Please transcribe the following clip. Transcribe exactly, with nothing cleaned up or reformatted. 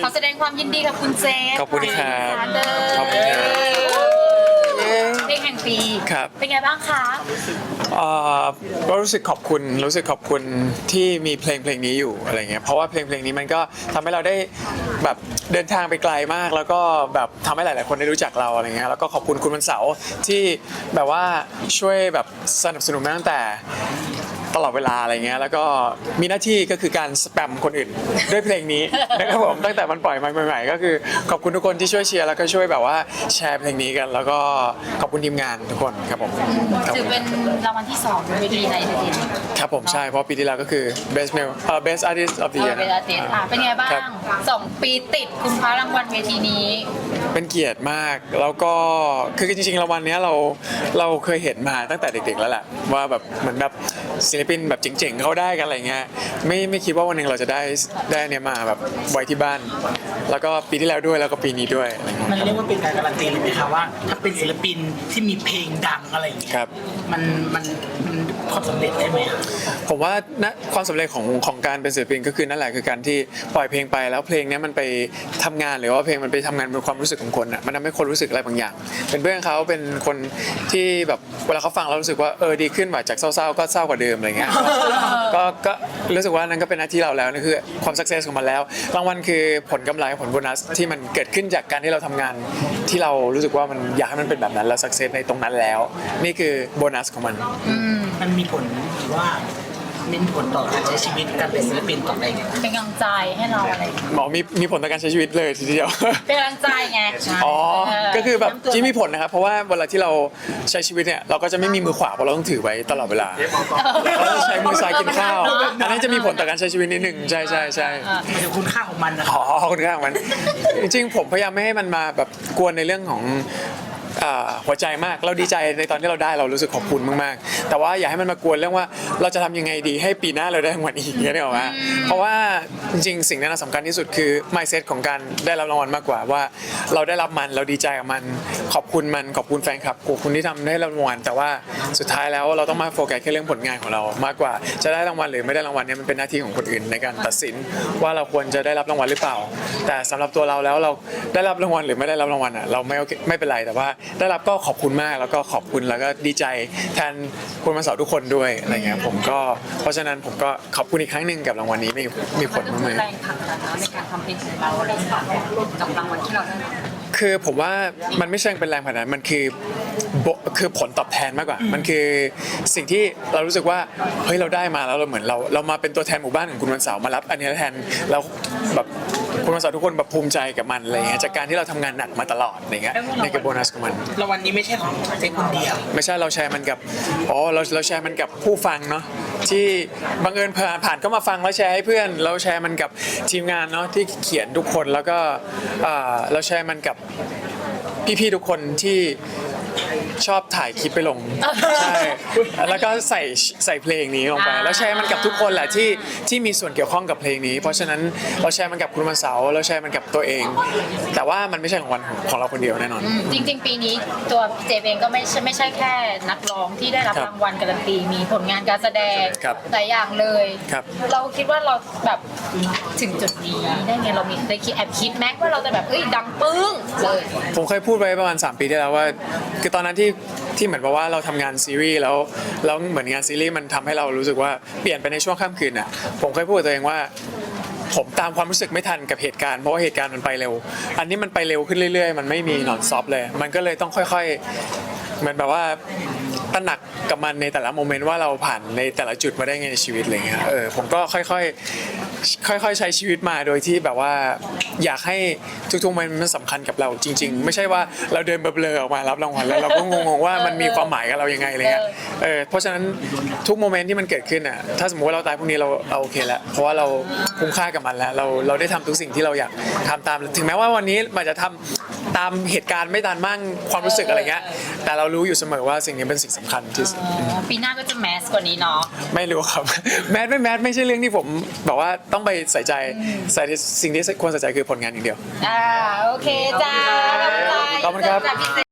ขอแสดงความยินดีกับคุณเจฟขอบคุณครับเด้อขอบคุณครับเพลงแห่งปีครับเป็นไงบ้างคะเอ่อก็รู้สึกขอบคุณรู้สึกขอบคุณที่มีเพลงเพลงนี้อยู่อะไรเงี้ยเพราะว่าเพลงเพลงนี้มันก็ทำให้เราได้แบบเดินทางไปไกลมาก แล้วก็แบบทำให้หลาย ๆ คนได้รู้จักเราอะไรเงี้ยแล้วก็ขอบคุณคุณวันเสาร์ที่แบบว่าช่วยแบบสนับสนุนมาตั้งแต่ตลอดเวลาอะไรเงี้ยแล้วก็มีหน้าที่ก็คือการสแปมคนอื่นด้วยเพลงนี้นะครับผมตั้งแต่มันปล่อยมาใหม่ ๆ ก็คือขอบคุณทุกคนที่ช่วยเชียร์แล้วก็ช่วยแบบว่าแชร์เพลงนี้กัน แล้วก็ขอบคุณทีมงานทุกคนครับผมครับถือเป็นรางวัลที่สองในปีในเดือนครับผมใช่เพราะปีที่แล้วก็คือ best male เอ่อ best artist of the เออ year เวลาเต็อ่ะเป็นไงบ้างครับสองปีติดคุณคว้ารางวัลเวทีนี้เป็นเกียรติมากแล้วก็คือจริงๆรางวัลเนี้ยเราเราเคยเห็นมาตั้งแต่เด็กๆแล้วแหละว่าแบบเหมือนแบบศิลปินแบบเจ๋งๆเขาได้กันอะไรเงี้ยไม่ไม่คิดว่าวันหนึ่งเราจะได้ได้เนี่ยมาแบบไว้ที่บ้าน แล้วก็ปีที่แล้วด้วยแล้วก็ปีนี้ด้วยอะไรเงี้ยมันเรียกว่าเป็นการการันตีเลยไหมคะว่าถ้าเป็นศิลปินที่มีเพลงดังอะไรอย่างเงี้ยครับมันมันมันความสำเร็จได้ไหมคะผมว่านะความสำเร็จของของการเป็นศิลปินก็คือนั่นแหละคือการที่ปล่อยเพลงไปแล้วเพลงเนี้ยมันไปทำงานหรือว่าเพลงมันไปทำงานบนความรู้สึกของคนอ่ะมันทำให้คนรู้สึกอะไรบางอย่าง เป็นเพื่อนเขาเป็นคนที่แบบเวลาเขาฟังแล้วรู้สึกว่าเออดีขึ้นว่าจากเศร้าๆก็เศร้ากว่าเดิมอะไรเงี้ย ก็ก็รู้สึกว่านั่นก็เป็นหน้าที่เราแล้วนั่นคือความสักเซสของมันแล้วรางวัลคือผลกำไรผลโบนัสที่มันเกิดขึ้นจากการที่เราทำงานที่เรารู้สึกว่ามันอยากให้มันเป็นแบบนั้นแล้วสักเซสในตรงนั้นแล้ว นี่คือโบนัสของมันมันมีผลหรือว่ามีผลต่อการใช้ชีวิตการเป็นศิลปินต่อไปไงเป็นกำลังใจให้เราอะไรอย่างเงี้ยหมอมีมีผลต่อการใช้ชีวิตเลยทีเดียวเป็นกำลังใจไงอ๋อเออก็คือแบบที่มีผลนะครับ เพราะว่าเวลาที่เราใช้ชีวิตเนี่ย เราก็จะไม่มีมือขวาเพราะเราต้องถือไว้ตลอดเวลาเราจะใช้มือซ้ายกินข้าว อันนั้นจะมีผลต่อการใช้ชีวิตนิดหนึ่งใช่ใช่ใช่หมายถึงคุณค่าของมันนะอ๋อคนข้างมัน จริงๆ ผมพยายามไม่ให้มันมาแบบกวนในเรื่องของอ่าหัวใจมาก เราดีใจในตอนที่เราได้เรารู้สึกขอบคุณมากๆ แต่ว่าอย่าให้มันมากวนเรื่องว่าเราจะทำยังไงดีให้ปีหน้าเราได้รางวัลอีกอย่างเงี้ยนึกออกไหมเพราะว่าจริงๆ สิ่งนั้นสำคัญที่สุดคือ mindset ของการได้รับรางวัลมากกว่าว่าเราได้รับมันเราดีใจกับมันขอบคุณมันขอบคุณแฟนคลับขอบคุณที่ทำให้เรารางวัลแต่ว่าสุดท้ายแล้วเราต้องมาโฟกัสแค่เรื่องผลงานของเรามากกว่าจะได้รางวัลหรือไม่ได้รางวัลเนี่ยมันเป็นหน้าที่ของคนอื่นในการตัดสินว่าเราควรจะได้รับรางวัลหรือเปล่า แต่สำหรับตัวเราแล้วเราได้รับรางวัลหรือไม่ได้รับรางวัลอ่ะเราไม่โอเคไม่เป็นไรแต่ว่าได้รับก็ขอบคุณมากแล้วก็ขอบคุณแล้วก็ดีใจแทนคุณมาสาวทุกคนด้วยอะไรเงี้ยผมก็เพราะฉะนั้นผมก็ขอบคุณอีกครั้งหนึ่งกับรางวัลนี้มีมีผลมันมากแรงผลักดันในการทำเพลงของเราอะไรอย่างเงี้ยกับรางวัลที่เราได้รับๆคือผมว่ามันไม่ใช่เป็นแรงผลักดันมันคือโบคือผลตอบแทนมากกว่า มันคือสิ่งที่เรารู้สึกว่าเฮ้ยเราได้มาแล้วเราเหมือนเราเรามาเป็นตัวแทนหมู่บ้านของคุณวันเสาร์มารับอันนี้แทนแล้วแบบคุณวันเสาร์ทุกคนแบบภูมิใจกับมันอะไรเงี้ยจากการที่เราทำงานหนักมาตลอดอะไรเงี้ยนี่คือโบนัสของมันรางวัลนี้ไม่ใช่ของเจ๊คนเดียวไม่ใช่เราแชร์มันกับอ๋อเราเราแชร์มันกับผู้ฟังเนาะที่บังเอิญผ่านผ่านก็มาฟังแล้วแชร์ให้เพื่อน เราแชร์มันกับทีมงานเนาะที่เขียนทุกคนแล้วก็อ่าเราแชร์มันกับพี่ๆทุกคนที่ชอบถ่ายคลิปไปลงใช่แล้วก็ใส่ใส่เพลงนี้ลงไปแล้วแชร์มันกับทุกคนแหละที่ที่มีส่วนเกี่ยวข้องกับเพลงนี้ เพราะฉะนั้นเราแชร์มันกับคุณวันเสาร์เราแชร์มันกับตัวเอง แต่ว่ามันไม่ใช่ของวันของของเราคนเดียวแน่นอนจริง ๆ ปีนี้ตัวเจเองก็ไม่ใช่ไม่ใช่แค่นักร้องที่ได้รับครับรางวัลการันตีมีผลงานการแสดงครับหลายอย่างเลยครับเราคิดว่าเราแบบถึงจุดนี้ได้ไงเรามีได้คิดแอบคิดแม็กว่าเราจะแบบเอ้ยดังปึ้งเลยผมเคยพูดไว้ประมาณสามปีที่แล้วว่าคือตอนนั้นที่ที่เหมือนกับว่าเราทำงานซีรีส์แล้วแล้วเหมือนงานซีรีส์มันทำให้เรารู้สึกว่าเปลี่ยนไปในช่วงข้ามคืนน่ะผมเคยพูดกับตัวเองว่าผมตามความรู้สึกไม่ทันกับเหตุการณ์เพราะว่าเหตุการณ์มันไปเร็ว อันนี้มันไปเร็วขึ้นเรื่อยๆมันไม่มีนอนซอฟเลย มันก็เลยต้องค่อยๆเหมือนแบบว่าตระหนักกับมันในแต่ละโมเมนต์ว่าเราผ่านในแต่ละจุดมาได้ไงในชีวิตอะไรเงี้ยเออผมก็ค่อยๆค่อยๆใช้ชีวิตมาโดยที่แบบว่าอยากให้ทุกๆมันมันสำคัญกับเราจริง ๆ ไม่ใช่ว่าเราเดินเบลอๆออกมารับรางวัลแล้วเราก็งงๆว่ามันมีความหมายกับเรายังไงอะไรเงี้ยเออเพราะฉะนั้นทุกโมเมนต์ที่มันเกิดขึ้นอ่ะถ้าสมมติว่าเราตายพรุ่งนี้เราเราโอเคแล้วเพราะว่าเราคุ้มค่ากับมันแล้วเราเราได้ทำทุกสิ่งที่เราอยากทำตามถึงแม้ว่าวันนี้มันจะทำตามเหตุการณ์ไม่ตามมั่งความรู้สึกอะไรเงี้ยแต่เรารู้อยู่เสมอว่าสิ่งนี้เป็นสิ่งสำคัญที่สุดปีหน้าก็จะแมสกว่านี้เนาะไม่รู้ครับ แมสไม่แมสไม่ใช่เรื่องที่ผมบอกว่าต้องไปใส่ใจใส่สิ่งที่ควรใส่ใจคือผลงานอย่างเดียวอ่าโอเคจ้าขอบคุณขอบคุณครับจ้าพี่เจ